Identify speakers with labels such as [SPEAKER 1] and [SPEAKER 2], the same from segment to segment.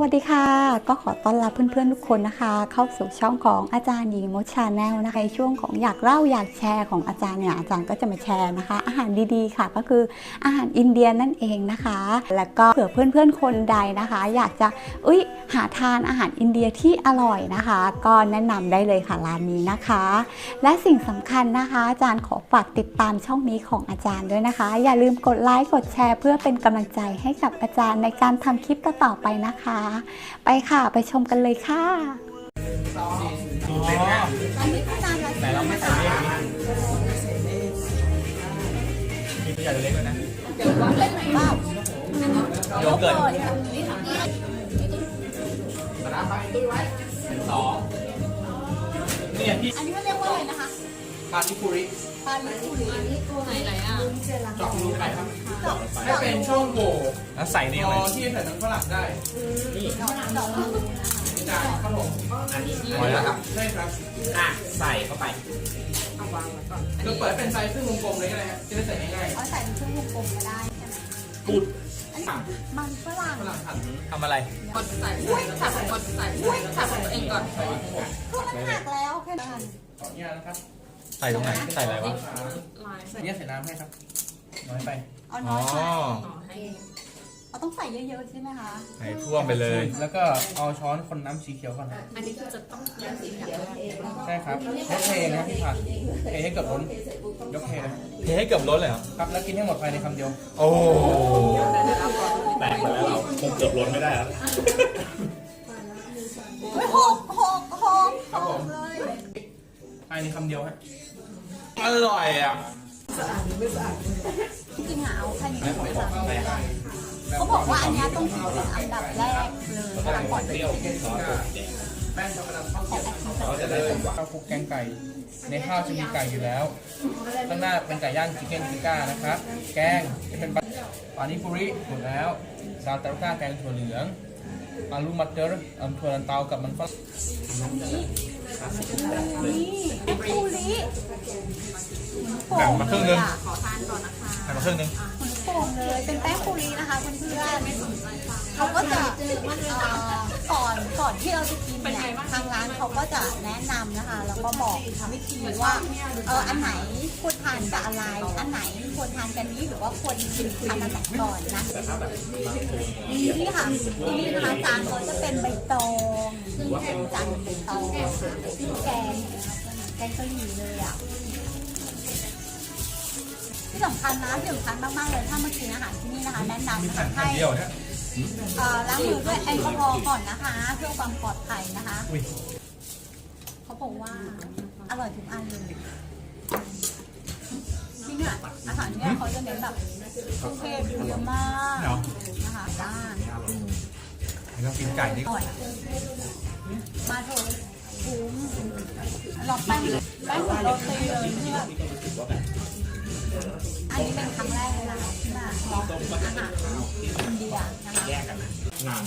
[SPEAKER 1] วัสดีค่ะก็ขอต้อนรับเพื่อนๆทุกคนนะคะเข้าสู่ช่องของอาจารย์หญิงมดชาแนลนะคะในช่วงของอยากเล่าอยากแชร์ของอาจารย์เนี่ยอาจารย์ก็จะมาแชร์นะคะอาหารดีๆค่ะก็คืออาหารอินเดียนั่นเองนะคะแล้วก็เผื่อเพื่อนๆคนใดนะคะอยากจะหาทานอาหารอินเดียที่อร่อยนะคะก็แนะนำได้เลยค่ะร้านนี้นะคะและสิ่งสำคัญนะคะอาจารย์ขอฝากติดตามช่องนี้ของอาจารย์ด้วยนะคะอย่าลืมกดไลค์กดแชร์เพื่อเป็นกำลังใจให้กับอาจารย์ในการทำคลิปต่อๆไปนะคะไปค่ะไปชมกันเลยค่ะอันนี้คือนานแล้วแต่เราไม่ใส่เลขนี้
[SPEAKER 2] มีตัวใหญ่ตัวเล็กด้วยนะ
[SPEAKER 1] เดี๋ยวว่าเป็นไหนบ้าง
[SPEAKER 2] โยเกิร์ตสองนี่พี่
[SPEAKER 1] อันนี้มันเรียกว่าอะไรนะคะ
[SPEAKER 2] ปานิปุริ
[SPEAKER 1] ปานิปุริไหนอ่ะ
[SPEAKER 2] เจาะรูไปครับ
[SPEAKER 3] ให้เป็นช่องโหว่
[SPEAKER 2] แล้วใส่นี่เลย
[SPEAKER 3] ที่ใส่น้ำฝรั่งได้
[SPEAKER 2] นี่
[SPEAKER 1] ดอก
[SPEAKER 3] จานครับผม
[SPEAKER 2] อันนี้พอแล้วครับ
[SPEAKER 3] ใช่ครับ
[SPEAKER 2] ใส่เข้าไป
[SPEAKER 3] เอาวางไว้ก่อนเราเปิดเป็นไซส์ครึ่งวงกลมเลยก็ได้ครับจะได้ใส่ง่าย
[SPEAKER 1] ๆใส่เป็นครึ่งวงกลมก็ได้ใช่ไหม
[SPEAKER 2] กูด
[SPEAKER 1] มันฝรั่ง
[SPEAKER 2] ทำอะไร
[SPEAKER 3] กดใส่ถักกดใส่ถักของตัวเองก่อน
[SPEAKER 1] คือมันหักแล้วแค่นั้น
[SPEAKER 3] ขออนุญาตนะครับ
[SPEAKER 2] ใส่ตรงไหนใส่อะไรวะ
[SPEAKER 3] ใส่เนี่ยใส่น้ำให้ครับน้อยไป
[SPEAKER 1] เอาน้อยไปเราต้องใส่เยอะๆใช่ไหมคะ
[SPEAKER 2] ใส่ท่วมไปเลย
[SPEAKER 3] แล้วก็เอาช้อนคนน้ำสีเขียวก่อน
[SPEAKER 4] อันนี้คือจะต้องน้ำสีเขียว
[SPEAKER 3] ใช่ครับยกเทนะครับพี่ผัดเทให้เกือบล้นยกเทเลย
[SPEAKER 2] เทให้เกือบล้นเลยเหรอ
[SPEAKER 3] ครับแล้วกินให้หมดภายในคำเดียว
[SPEAKER 2] โอ้แตกไปแล้วคงเกือบล้นไม่ได้แล้ว
[SPEAKER 1] หกเลย
[SPEAKER 3] ภายในคำเดียวฮะ
[SPEAKER 2] อร่อยอ่ะ
[SPEAKER 1] จริงๆเอาแค่นี้เขาบอกว่าอันนี้ต้องถือเป็นอันดับแรกเลยก่อน
[SPEAKER 3] เปรี้ยวแป้งช็อกโกแลตเขาจะได้ข้าวคลุกแกงไก่ในข้าวจะมีไก่อยู่แล้วข้างหน้าเป็นไก่ย่างชิคเก้นทิก้านะครับแกงจะเป็นปานิปุริหมดแล้วซาลตาร์ก้าแกงถั่วเหลืองอาลูมัตเตอร์ถั่วลันเตากับมันฝรั่ง
[SPEAKER 2] แบ่งมาครึ่งนึง
[SPEAKER 4] ขอทานก่อนนะคะ
[SPEAKER 2] แบ่งมาครึ่งนึง
[SPEAKER 1] โป่งเลยเป็นแป้งปูรีนะคะเพื่อนๆเขาก็จะก่อนที่เราจะกินเนี่ยทางร้านเขาก็จะแนะนำนะคะแล้วก็บอกวิธีว่าอันไหนควรทานกับอะไรอันไหนควรทานกันนี้หรือว่าควรกินอันไหนก่อนนะนี่ค่ะที่นี่นะคะจานเขาจะเป็นใบตองซึ่งเป็นจานใบตองซึ่งแกงเกาหลีเลยอ่ะที่สำคัญนะที่สำคัญมากๆเลยถ้ามากินอาหารที่นี่นะคะแนะนำให้ล้างมือด้วยแอลกอฮอล์ก่อนนะคะเพื่อความปลอดภัยนะคะเขาบอกว่าอร่อยทุกอันเลยที่เนี่ยอาหารเนี่ยเขาจะเน้นแบบเครื่องเทศเยอะมากนะคะด้าน
[SPEAKER 2] แล้วกินไก่นี่
[SPEAKER 1] อร่อยมาเถอะคุ้มลองแป้งของโรตีเลยเพื่ออันนี้เป็นครั้งแรกเลยนะที่มาลองอาหารอินเดียนะคะ
[SPEAKER 2] แยกกันนาน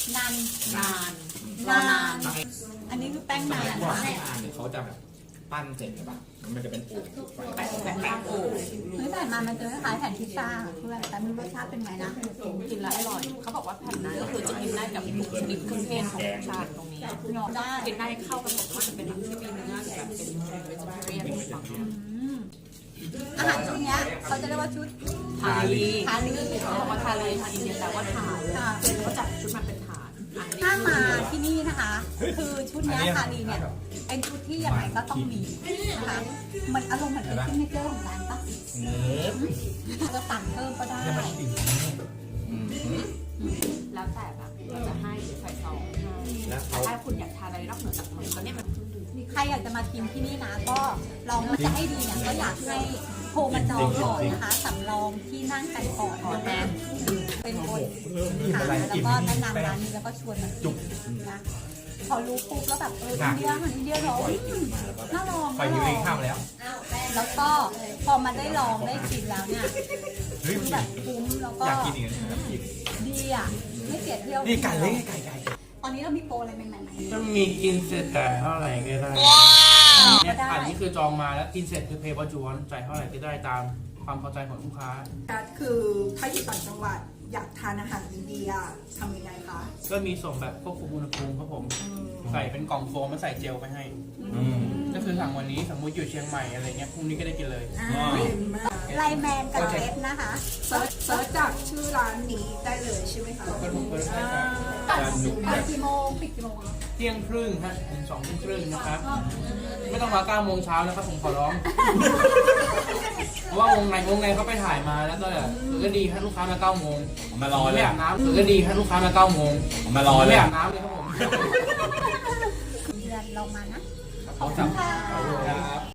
[SPEAKER 1] อันนี้คือแป้งนาน
[SPEAKER 2] เขาจะแบบปั้นเสร็จใช่ปะมันจะเป็นโอ่ง
[SPEAKER 4] แป้งโอ่ง
[SPEAKER 1] เฮ้ยแต่มันจะคล้ายแผ่นพิซซ่าเพื่อนแต่ไม่รู้รสชาติเป็นไงนะ
[SPEAKER 4] กินแล้วอร่อยเขาบอกว่าแผ่นนั้นก็คือจะกินได้กับทุกชนิดเครื่องเทศของชาติตรงนี้กินได้เข้ากันหมดว่าจะเป็นที่มีเนื้อแบบเป็นเวจิเรียนฝั่ง
[SPEAKER 1] อาหารชุดนี้เขาจะเรียกว่าชุด
[SPEAKER 4] ทาลีว่าทาลีทาอินเดียแต่ว่าถาดเขาจัดชุดมาเป็นถาด
[SPEAKER 1] ถ้ามาที่นี่นะคะคือชุดนี้ทาลีเนี่ยเป็นชุดที่ยังไงก็ต้องมีนะคะมันอารมณ์เหมือนเป็นซิกเนเจอร์ของร้านปะเราสั่งเพิ่มก็ได้
[SPEAKER 4] แล้วแต่แบบเราจะให้ใส่ซองแต่ถ้าคุณอยากทานอะไรนอกเหนือจากมันก็เนี่ยมัน
[SPEAKER 1] ใครอยากจะมากินที่นี่นะก็ลองจะให้ดีเนี่ยก็อยากให้โทรมาจองก่อนนะคะสำรองที่นั่งกันก่อนนะเป็นคนหาแล้วก็แนะนำร้านนี้แล้วก็ชวนมากินนะพอรู้ปุ๊บแล้วแบบอินเดียเนาะน่าลอง
[SPEAKER 2] ไปยูริข้ามแล้ว
[SPEAKER 1] แล้วก็พอมาได้ลองได้กินแล้วเนี่ยแบบคุ้มแล้วก็
[SPEAKER 2] อยากกินอีก
[SPEAKER 1] ดีอ่ะไม่เสียเที่ยว
[SPEAKER 2] นี่ไก่เล้ไก่
[SPEAKER 1] ตอนนี้เรามีโปรอะไรใหม่ๆไหม
[SPEAKER 3] จะมีกินเสร็จแต่เท่าไหร่ก็ได้เนี่ยอันนี้คือจองมาแล้วกินเสร็จคือเพย์วอร์จวนจ่ายเท่าไหร่ก็ได้ตามความพอใจของลูกค้า
[SPEAKER 5] คือถ้าอยู่ต่างจังหวัดอยากทานอาหารอินเดียทำยังไงคะ
[SPEAKER 3] ก็มีส่งแบบควบคุมอุณหภูมิครับผมใส่เป็นกล่องโฟมมาใส่เจลไปให้ก็คือสั่งวันนี้สมมติอยู่เชียงใหม่อะไรเงี้ยพรุ่งนี้ก็ได้กินเลย
[SPEAKER 5] ไลแมนกับเฟสนะคะเซิร์ชจากชื่อร้านนี้ได้เลยใช่ไหมคะ
[SPEAKER 3] ก็ถูกเปิดให้ครับ
[SPEAKER 5] เปิดกี่โมงปิดกี่โมง
[SPEAKER 3] เที่ยงครึ่งฮะถึง2 ทุ่มครึ่งนะครับ ไม่ต้องมา9 โมงเช้านะครับผมขอร้อง เพราะว่าวงในเขาไปถ่ายมาแล้วก็ดีให้ลูกค้ามา9 โมง
[SPEAKER 2] มารอเล
[SPEAKER 3] ไม่
[SPEAKER 2] ย
[SPEAKER 3] อาบน้ำก็ดีให้ลูกค้ามา9 โมง
[SPEAKER 2] มารอเล
[SPEAKER 3] ไม่
[SPEAKER 2] ย
[SPEAKER 3] อาบน้ำเลยครับผม
[SPEAKER 5] เดือนเรามานะ
[SPEAKER 3] ขอบคุณครับ